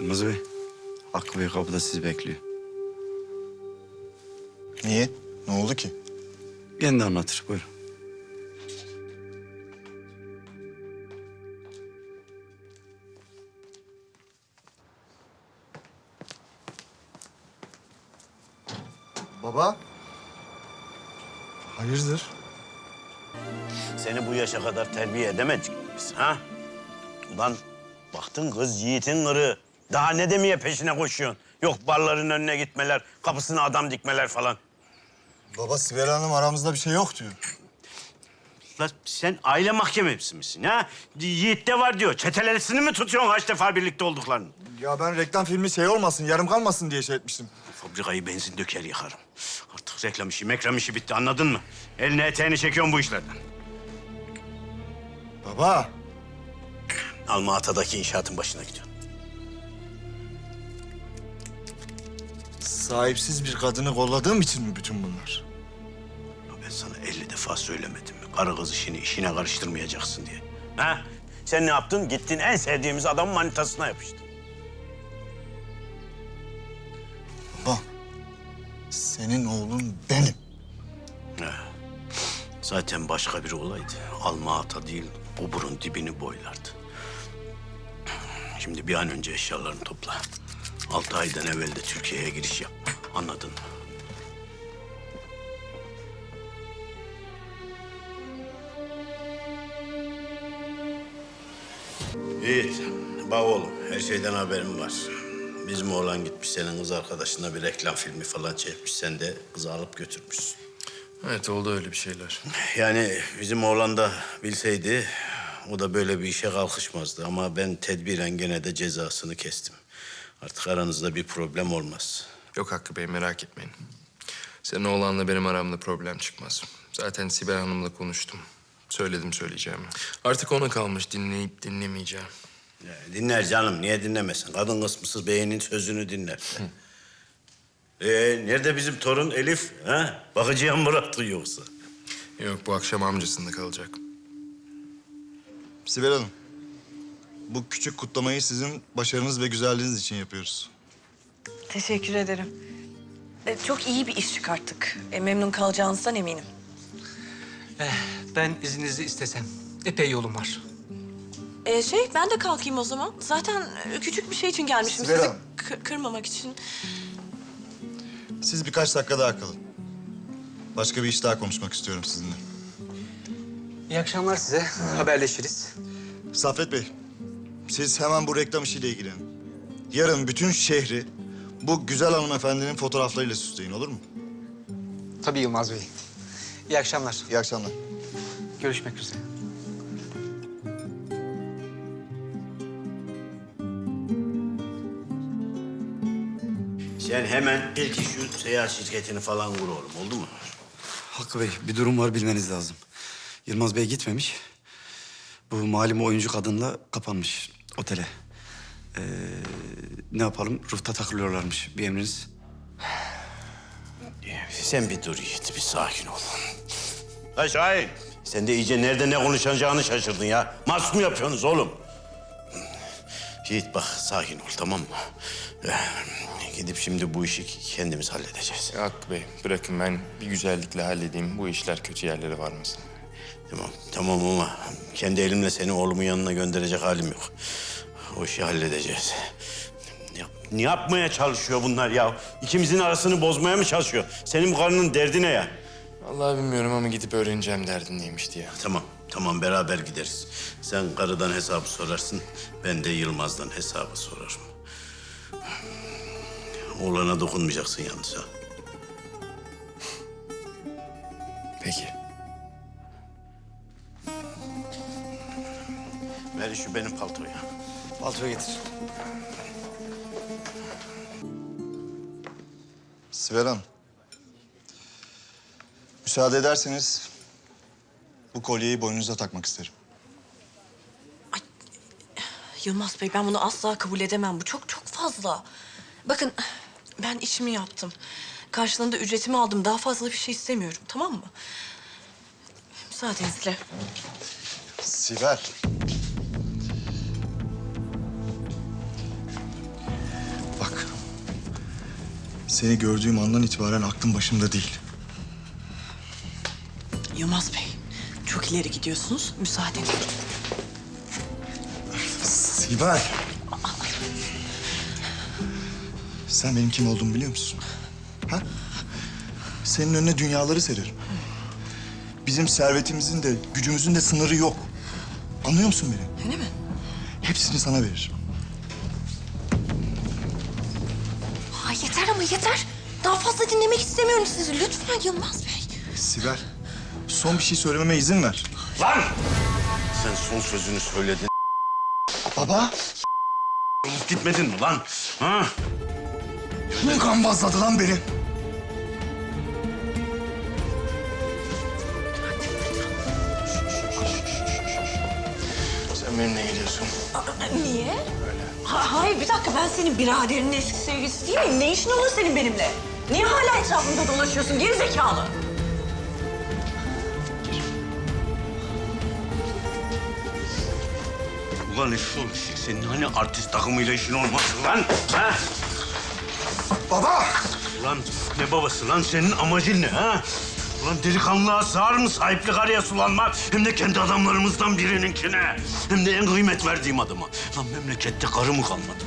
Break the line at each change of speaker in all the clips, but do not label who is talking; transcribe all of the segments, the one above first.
Yılmaz Bey, Hakkı Bey kapıda sizi bekliyor.
Niye? Ne oldu ki?
Kendi anlatır, buyurun.
Baba. Hayırdır?
Seni bu yaşa kadar terbiye edemedik mi biz ha? Ulan baktın kız yiğitin kırığı. Daha ne demeye peşine koşuyorsun? Yok barların önüne gitmeler, kapısına adam dikmeler falan.
Baba Sibel Hanım aramızda bir şey yok diyor.
Lan sen aile mahkemesi misin ha? Yiğit de var diyor. Çetelesini mi tutuyorsun kaç defa birlikte olduklarını?
Ya ben reklam filmi şey olmasın, yarım kalmasın diye şey etmiştim.
Fabrikayı benzin döker yakarım. Artık reklam işi, mekram işi bitti anladın mı? Eline eteğini çekiyorsun bu işlerden.
Baba.
Alma-Ata'daki inşaatın başına gidiyorsun.
Sahipsiz bir kadını kolladığım için mi bütün bunlar?
Ya ben sana 50 defa söylemedim mi? Karı kız işini işine karıştırmayacaksın diye. Ha? Sen ne yaptın? Gittin en sevdiğimiz adamın manitasına yapıştın.
Baba. Senin oğlun benim.
Zaten başka biri olaydı. Alma-Ata değil, oburun dibini boylardı. Şimdi bir an önce eşyalarını topla. 6 aydan evvel de Türkiye'ye giriş yapma. Anladın mı? Yiğit, bak oğlum, her şeyden haberim var. Bizim oğlan gitmiş, senin kız arkadaşına bir reklam filmi falan çekmiş. Sen de kızı alıp götürmüşsün.
Evet, oldu öyle bir şeyler.
Yani bizim oğlan da bilseydi o da böyle bir işe kalkışmazdı. Ama ben tedbiren gene de cezasını kestim. Artık aranızda bir problem olmaz.
Yok Hakkı Bey, merak etmeyin. Senin oğlanla benim aramda problem çıkmaz. Zaten Sibel Hanım'la konuştum. Söyledim söyleyeceğimi. Artık ona kalmış dinleyip dinlemeyeceğim.
Ya, dinler canım, niye dinlemesin? Kadın kısmısız beynin sözünü dinler. Nerede bizim torun Elif? Ha? Bakıcıya mı bıraktın yoksa?
Yok, bu akşam amcasında kalacak.
Sibel Hanım. Bu küçük kutlamayı sizin başarınız ve güzelliğiniz için yapıyoruz.
Teşekkür ederim. Çok iyi bir iş çıkarttık. Memnun kalacağınızdan eminim.
Ben izninizi istesem. Epey yolum var.
Ben de kalkayım o zaman. Zaten küçük bir şey için gelmişim.
Sibel
Sizi
Hanım.
kırmamak için.
Siz birkaç dakika daha kalın. Başka bir iş daha konuşmak istiyorum sizinle.
İyi akşamlar size. Haberleşiriz.
Saffet Bey, siz hemen bu reklam işiyle ilgilenin. Yarın bütün şehri bu güzel hanımefendinin fotoğraflarıyla süsleyin, olur mu?
Tabii Yılmaz Bey. İyi akşamlar.
İyi akşamlar.
Görüşmek üzere.
Sen hemen ilk şu seyahat şirketini falan kur oğlum, oldu mu?
Hakkı Bey, bir durum var bilmeniz lazım. Yılmaz Bey gitmemiş. Bu malum oyuncu kadınla kapanmış otele. Ne yapalım? Rufta takılıyorlarmış. Bir emriniz.
Sen bir dur Yiğit, bir sakin ol. Ha Şahin, sen de iyice nerede ne konuşacağını şaşırdın ya. Mas mı yapıyorsunuz oğlum? Yiğit bak, sakin ol, tamam mı? Gidip şimdi bu işi kendimiz halledeceğiz.
Ya Hakkı Bey, bırakın ben bir güzellikle halledeyim. Bu işler kötü yerlere varmasın.
Tamam ama kendi elimle seni oğlumun yanına gönderecek halim yok. O işi halledeceğiz. Ne yapmaya çalışıyor bunlar ya? İkimizin arasını bozmaya mı çalışıyor? Senin bu karının derdi ne ya?
Vallahi bilmiyorum ama gidip öğreneceğim derdin neymiş diye.
Tamam beraber gideriz. Sen karıdan hesabı sorarsın, ben de Yılmaz'dan hesabı sorarım. Oğlana dokunmayacaksın yalnız ha.
Peki.
Ver şu benim paltoyu.
Paltoyu getir.
Sibel Hanım. Müsaade ederseniz bu kolyeyi boynunuza takmak isterim.
Yılmaz Bey, ben bunu asla kabul edemem. Bu çok fazla. Bakın, ben işimi yaptım. Karşılığında ücretimi aldım. Daha fazla bir şey istemiyorum, tamam mı? Müsaadenizle.
Sibel. Seni gördüğüm andan itibaren aklım başımda değil.
Yılmaz Bey, çok ileri gidiyorsunuz. Müsaade edin.
Sibel. Sen benim kim olduğumu biliyor musun? Ha? Senin önüne dünyaları sererim. Bizim servetimizin de gücümüzün de sınırı yok. Anlıyor musun beni?
Öyle mi?
Hepsini sana veririm.
Ha, yeter ama yeter. Daha fazla dinlemek istemiyorum sizi. Lütfen Yılmaz Bey.
Sibel, son bir şey söylememe izin ver.
Lan! Sen son sözünü söyledin.
Baba,
Olup gitmedin mi lan? Ha?
kim gambazladı lan beni?
Sen benimle geliyorsun.
Niye? Hayır bir dakika, ben senin biraderinin eski sevgilisi değil miyim? Ne işin olur senin benimle? Niye hala etrafımda dolaşıyorsun geri zekalı?
Ulan eşşoğlu, senin hani artist takımıyla işin olmasın lan? Ha?
Baba!
Ulan ne babası lan? Senin amacın ne ha? Ulan delikanlığa sığar mı sahiplik araya sulanmak? Hem de kendi adamlarımızdan birininkine. Hem de en kıymet verdiğim adama. Lan memlekette karı mı kalmadı?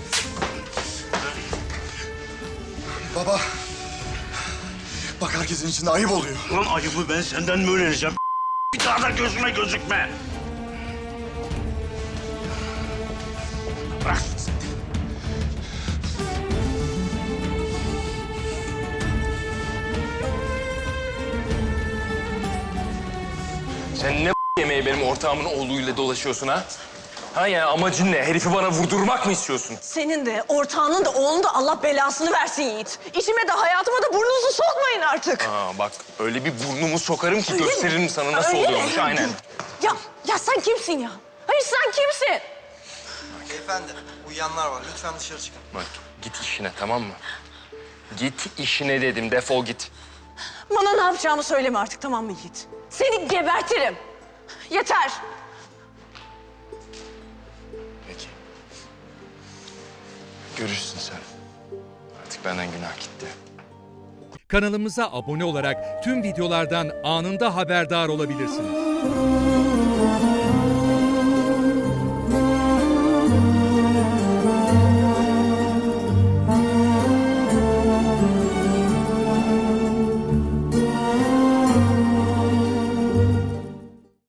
Baba! Bak herkesin içinde ayıp oluyor.
Ulan ayıbı ben senden mi öğreneceğim? Bir daha da gözüme gözükme. Bırak.
Sen ne yemeği benim ortağımın oğluyla dolaşıyorsun ha? Ha yani amacın ne? Herifi bana vurdurmak mı istiyorsun?
Senin de, ortağının da, oğlunun da Allah belasını versin Yiğit. İçime de hayatıma da burnunuzu sokmayın artık.
Aa bak öyle bir burnumu sokarım ki gösteririm sana nasıl
Öyle mi?
oluyormuş aynen.
Ya sen kimsin ya? Hayır sen kimsin?
Beyefendi, uyuyanlar var. Lütfen dışarı çıkın.
Bak git işine tamam mı? Git işine dedim defol git.
Bana ne yapacağımı söyleme artık, tamam mı Yiğit? Seni gebertirim. Yeter.
Peki. Görürsün sen. Artık benden günah gitti.
Kanalımıza abone olarak tüm videolardan anında haberdar olabilirsiniz.